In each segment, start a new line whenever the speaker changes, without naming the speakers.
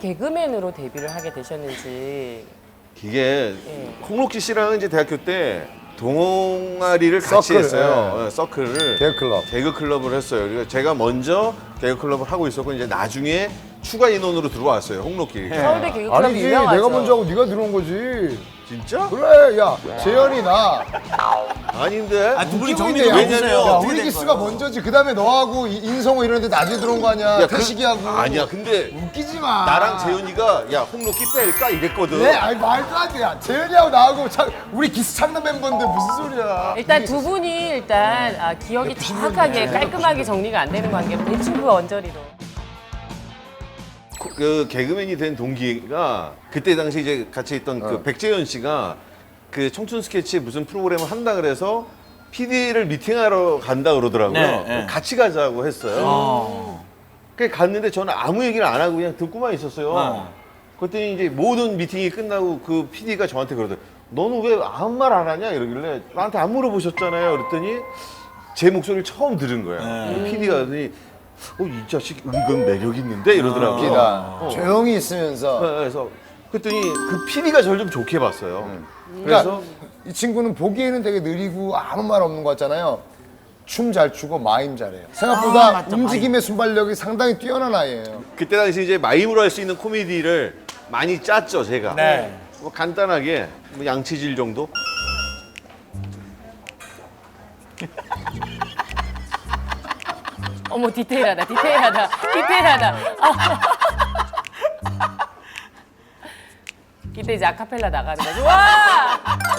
개그맨으로 데뷔를 하게 되셨는지.
이게
예.
홍록기 씨랑은 이제 대학교 때 동아리를 같이
서클,
했어요. 서클을.
개그클럽.
개그 클럽을 했어요. 그러니까 제가 먼저 개그 클럽을 하고 있었고 이제 나중에 추가 인원으로 들어왔어요. 홍록기.
서울대 개그클럽
아니지,
유명하죠.
내가 먼저 하고 네가 들어온 거지.
진짜?
그래, 야, 재현이 나.
아닌데.
두 분이
웃기고
정리
있네,
좀
야.
해주세요.
야,
어떻게
우리
된
기수가
거예요?
먼저지. 그 다음에 너하고 인성호 이런데 나중에 들어온 거 아니야. 태식이하고.
아니야. 근데
웃기지 마.
나랑 재현이가 야 홍록기 뺄까 이랬거든.
네, 아니 말도 안 돼. 야, 재현이하고 나하고 우리 기수 창단 멤버인데 무슨 소리야.
일단 두 분이 일단 기억이 정확하게 깔끔하게 정리가 안 되는 관계로 대충 그 언저리로.
그 개그맨이 된 동기가 그때 당시 이제 같이 있던 그 백재현 씨가 그 청춘 스케치 무슨 프로그램을 한다 그래서 PD를 미팅하러 간다 그러더라고요.
네, 네.
같이 가자고 했어요. 그래서 갔는데 저는 아무 얘기를 안 하고 그냥 듣고만 있었어요. 그랬더니 이제 모든 미팅이 끝나고 그 PD가 저한테 그러더라고요. 너는 왜 아무 말 안 하냐 이러길래 나한테 안 물어보셨잖아요. 그랬더니 제 목소리를 처음 들은 거예요. PD가 그러더니 이 자식 은근 매력 있는데 이러더라고요.
웃기다. 조용히 있으면서.
그래서 그랬더니 그 PD가 저를 좀 좋게 봤어요.
그러니까
그래서
이 친구는 보기에는 되게 느리고 아무 말 없는 것 같잖아요. 춤 잘 추고 마임 잘해요. 생각보다
맞다,
움직임의 순발력이 상당히 뛰어난 아이예요.
그때 당시 이제 마임으로 할 수 있는 코미디를 많이 짰죠, 제가.
네.
뭐 간단하게 뭐 양치질 정도.
어머 디테일하다. 이때 이제 아카펠라 나가는 거죠. 와!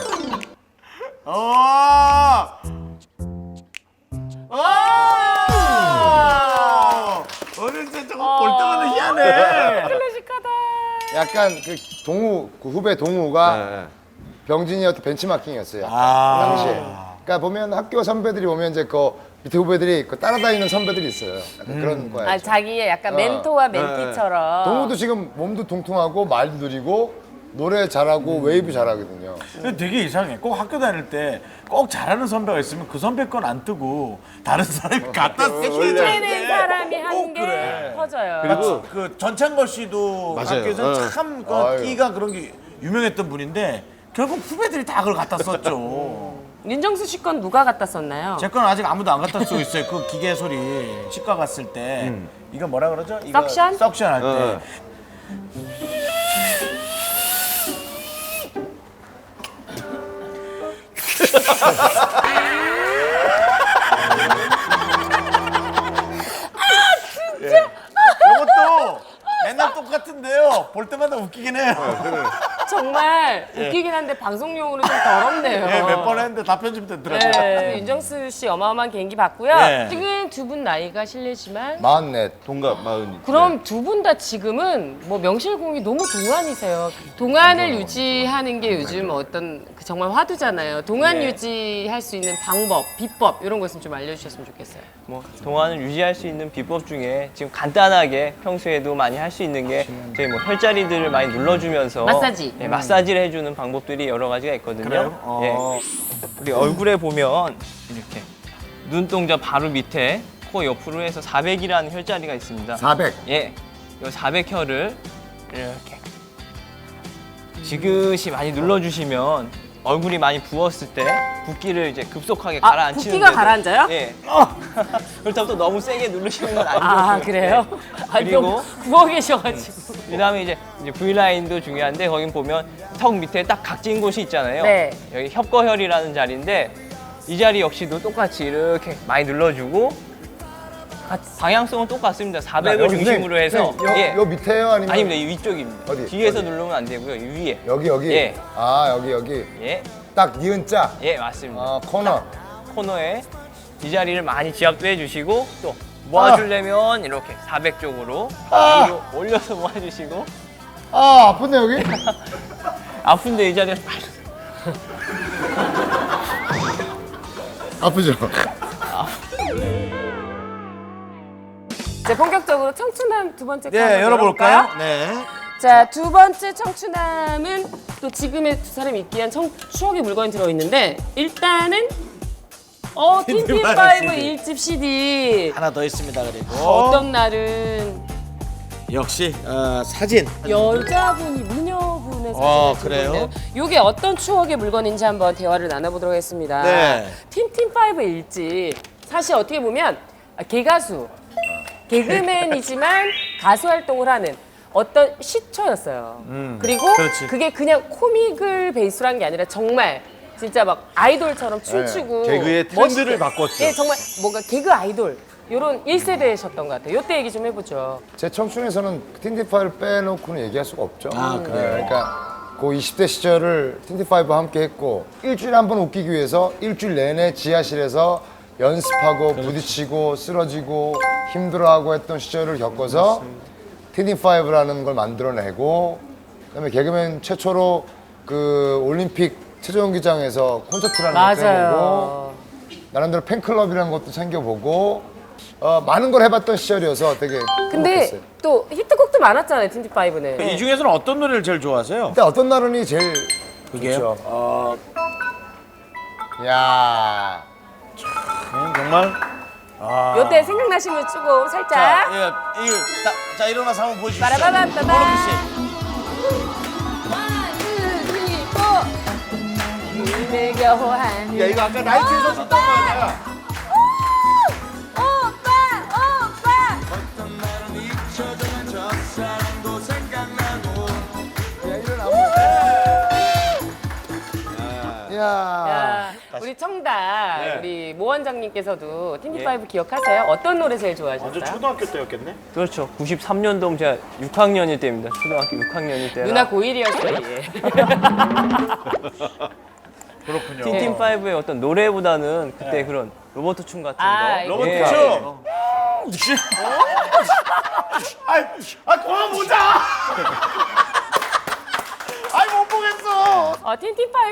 어렸을 때 저거 볼 때마다 희한해.
클래식하다.
약간 그 동우, 그 후배 동우가
네.
병진이한테 벤치마킹이었어요. 당시에. 그러니까 보면 학교 선배들이 보면 이제 그 밑에 후배들이 그 따라다니는 선배들이 있어요. 약간 그런 거야.
자기의 약간 멘토와 멘티처럼.
동우도 지금 몸도 통통하고 말도 느리고 노래 잘하고 웨이브 잘하거든요.
근데 되게 이상해. 꼭 학교 다닐 때 꼭 잘하는 선배가 있으면 그 선배 건 안 뜨고 다른 사람이 갖다 쓰고
힘내는 사람이
꼭
하는 게
그래.
커져요.
그리고
그 전창걸 씨도
맞아요.
학교에서 참 그
아유.
끼가 그런 게 유명했던 분인데 결국 후배들이 다 그걸 갖다 썼죠.
윤정수 씨 건 누가 갖다 썼나요?
제 건 아직 아무도 안 갖다 쓰고 있어요. 그 기계 소리 치과 갔을 때 이거 뭐라 그러죠? 이거
석션?
석션 할 때.
어.
이것도 맨날 똑같은데요. 볼 때마다 웃기긴 해요.
정말 웃기긴 한데 방송용으로 좀 더럽네요.
예, 몇 번 했는데 다 편집됐더라고요.
네, 윤정수 씨 어마어마한 개인기 봤고요.
네.
지금 두 분 나이가 실례지만
마흔넷.
동갑 마흔.
그럼 두 분 다 지금은 뭐 명실공히 너무 동안이세요. 동안을 유지하는 게 요즘 어떤 그 정말 화두잖아요. 동안
네.
유지할 수 있는 방법, 비법 이런 거 있으면 좀 알려주셨으면 좋겠어요.
뭐 동안을 유지할 수 있는 비법 중에 지금 간단하게 평소에도 많이 할 수 있는 게 저희 뭐 혈자리들을 많이 눌러주면서
마사지.
네, 마사지를 해주는 방법들이 여러 가지가 있거든요.
그래요?
예. 우리 얼굴에 보면 이렇게 눈동자 바로 밑에 코 옆으로 해서 400이라는 혈자리가 있습니다.
400.
예, 이 400혈을 이렇게 지그시 많이 눌러주시면 얼굴이 많이 부었을 때 붓기를 이제 급속하게 가라앉히는
붓기가 가라앉아요?
예. 그렇다고 또 너무 세게 누르시는 건 아니고.
아 그래요? 아니
그리고
너무 구워 계셔가지고.
그다음에 이제 V라인도 중요한데 거긴 보면 턱 밑에 딱 각진 곳이 있잖아요.
네.
여기 협거혈이라는 자리인데 이 자리 역시도 똑같이 이렇게 많이 눌러주고 방향성은 똑같습니다. 400을 중심으로 해서
요 밑에요 아니면
아닙니다. 이 위쪽입니다.
어디?
뒤에서
어디?
누르면 안 되고요. 이 위에.
여기.
예.
아 여기.
예.
딱 니은 자.
예, 맞습니다.
아 코너.
코너에 이 자리를 많이 지압도 해주시고 또 모아주려면 이렇게 400쪽으로 위로 올려서 모아주시고
아 아픈데 여기?
아픈데 이 자리를
아프죠.
이제 본격적으로 청춘함 두 번째 거
네,
한번
열어볼까요?
열어볼까요?
네.
자, 두 번째 청춘함은 또 지금의 두 사람이 있기 위한 추억의 물건이 들어있는데 일단은
틴틴파이브
틴틴파이브 1집 CD
하나 더 있습니다. 그리고
어떤 날은
역시 사진.
여자분이 미녀분의
아,
사진을
그래요?
찍고 있네요. 이게 어떤 추억의 물건인지 한번 대화를 나눠보도록 하겠습니다.
네.
틴틴파이브 일집 사실 어떻게 보면 개가수, 개그맨이지만 가수 활동을 하는 어떤 시초였어요. 그리고
그렇지.
그게 그냥 코믹을 베이스로 한 게 아니라 정말 진짜 막 아이돌처럼 춤추고
개그의 트렌드를
멋있게.
바꿨죠.
예, 정말 뭔가 개그 아이돌 이런 1세대셨던 것 같아요. 이때 얘기 좀 해보죠.
제 청춘에서는 틴티파이를 빼놓고는 얘기할 수가 없죠.
아, 그래요?
그러니까 그 20대 시절을 틴티파이브와 함께 했고 일주일에 한 번 웃기기 위해서 일주일 내내 지하실에서 연습하고 부딪히고 쓰러지고 힘들어하고 했던 시절을 겪어서 틴티파이브라는 걸 만들어내고 그다음에 개그맨 최초로 그 올림픽 체조경기장에서 콘서트라는 걸 해보고
맞아요.
나름대로 팬클럽이라는 것도 챙겨보고 많은 걸 해봤던 시절이어서 되게
근데
행복했어요.
또 히트곡도 많았잖아요, 틴틴파이브는.
이 중에서는 어떤 노래를 제일 좋아하세요?
근데 어떤 날은이 제일
그게요?
좋죠. 야
정말.
요때 생각나시면 조금 살짝.
자 일어나서 한번 보여주시죠.
빠라바밤빠밤.
코로키 씨.
내가 호한.
야 이거 아까 나이트에서 줬던 거 아니야?
야.
야, 우리 청다, 우리 모 원장님께서도 틴티파이브 기억하세요? 어떤 노래 제일 좋아하셨어요?
초등학교 때였겠네.
그렇죠. 93년도면 제가 6학년일 때입니다. 초등학교 6학년일 때라.
누나 고1이었어요, 예.
그렇군요.
틴틴파이브의 어떤 노래보다는 그때 그런 로버트 춤 같은
아,
거.
로버트
예.
춤. 그만 보자. 못 보겠어.
틴틴파이브